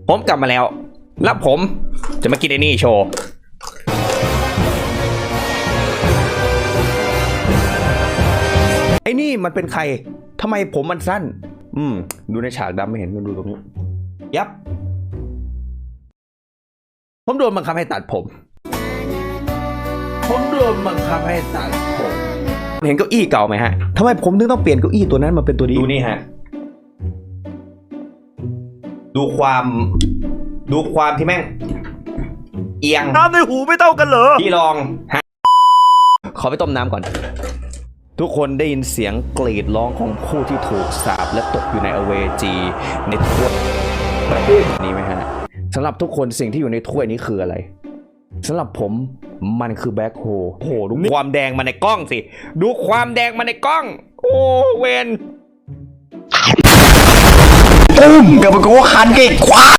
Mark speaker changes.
Speaker 1: ผมกลับมาแล้วแล้วผมจะมากินไอ้นี่โชว์ไอ้นี่มันเป็นใครทำไมผมมันสั้นดูในฉากดำไม่เห็นดูตรงนี้ยับผมโดนบังคับให้ตัดผมโดนบังคับให้ตัดผมเห็นเก้าอี้เก่าไหมฮะทำไมผมถึงต้องเปลี่ยนเก้าอี้ตัวนั้นมาเป็นตัวนี้ดูนี่ฮะดูความที่แม่งเอียง
Speaker 2: น้ำในหูไม่เท่ากันเหรอ
Speaker 1: พี่ลองฮะขอไปต้มน้ำก่อนทุกคนได้ยินเสียงกรีดร้องของผู้ที่ถูกสาปและตกอยู่ในอเวจีในถ้วยนี้ไหมฮะสำหรับทุกคนสิ่งที่อยู่ในถ้วยนี้คืออะไรสำหรับผมมันคือแบ็คโฮโอ้โหดูความแดงมาในกล้องสิดูความแดงมาในกล้องโอ้เวน
Speaker 2: ตุ้มกับมันก็คันเก่งควา